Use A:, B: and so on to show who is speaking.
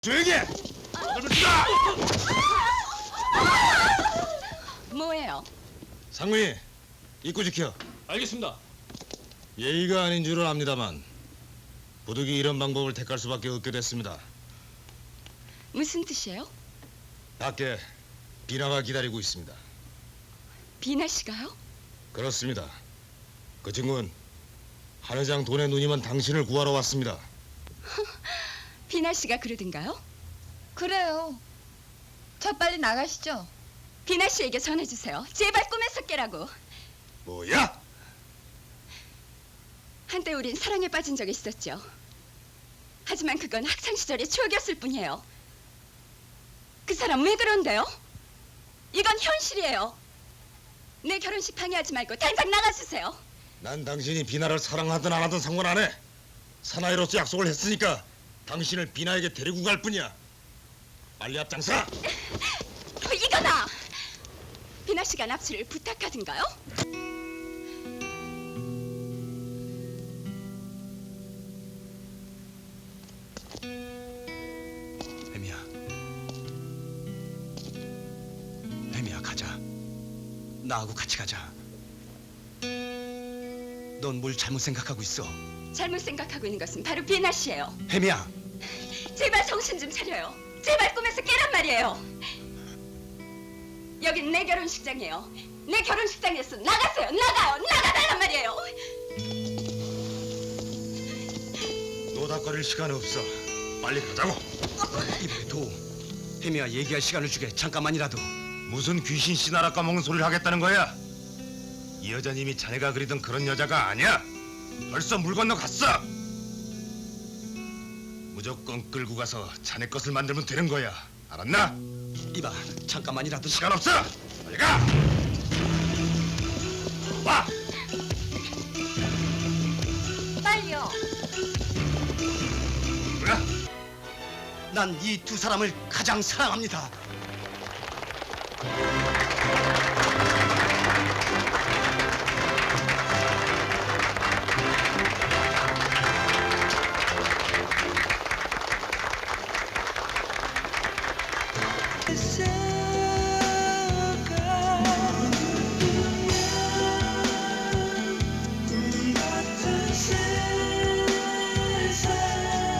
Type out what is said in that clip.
A: 조용히 해!
B: 뭐예요?
A: 상무님, 입구 지켜.
C: 알겠습니다.
A: 예의가 아닌 줄은 압니다만 부득이 이런 방법을 택할 수밖에 없게 됐습니다.
B: 무슨 뜻이에요?
A: 밖에 비나가 기다리고 있습니다.
B: 비나 씨가요?
A: 그렇습니다. 그 친구는 한 회장 돈에 눈이면 당신을 구하러 왔습니다.
B: 비나 씨가 그러던가요?
D: 그래요. 자, 빨리 나가시죠.
B: 비나 씨에게 전해주세요. 제발 꿈에서 깨라고.
A: 뭐야?
B: 한때 우린 사랑에 빠진 적이 있었죠. 하지만 그건 학창 시절의 추억이었을 뿐이에요. 그 사람 왜 그런데요? 이건 현실이에요. 내 결혼식 방해하지 말고 당장 나가주세요.
A: 난 당신이 비나를 사랑하든 안 하든 상관 안 해. 사나이로서 약속을 했으니까 당신을 비나에게 데리고 갈 뿐이야. 빨리 앞장서!
B: 이거다! 비나 씨가 납치를 부탁하든가요?
E: 혜미야 가자. 나하고 같이 가자. 넌 뭘 잘못 생각하고 있어.
B: 잘못 생각하고 있는 것은 바로 비나 씨예요.
E: 혜미야.
B: 제발 정신 좀 차려요. 제발 꿈에서 깨란 말이에요. 여긴 내 결혼식장이에요. 내 결혼식장에서 나가세요. 나가달란 말이에요.
A: 노닥거릴 시간 없어. 빨리 가자고.
E: 이번에 도. 혜미야 얘기할 시간을 주게. 잠깐만이라도.
A: 무슨 귀신 씨나라 까먹는 소리를 하겠다는 거야? 이 여자님이 자네가 그리던 그런 여자가 아니야. 벌써 물 건너 갔어. 무조건 끌고 가서 자네 것을 만들면 되는 거야. 알았나?
E: 이봐 잠깐만이라도
A: 시간 없어. 빨리 가. 와.
D: 빨리요.
A: 뭐야?
E: 난 이 두 사람을 가장 사랑합니다.
F: Say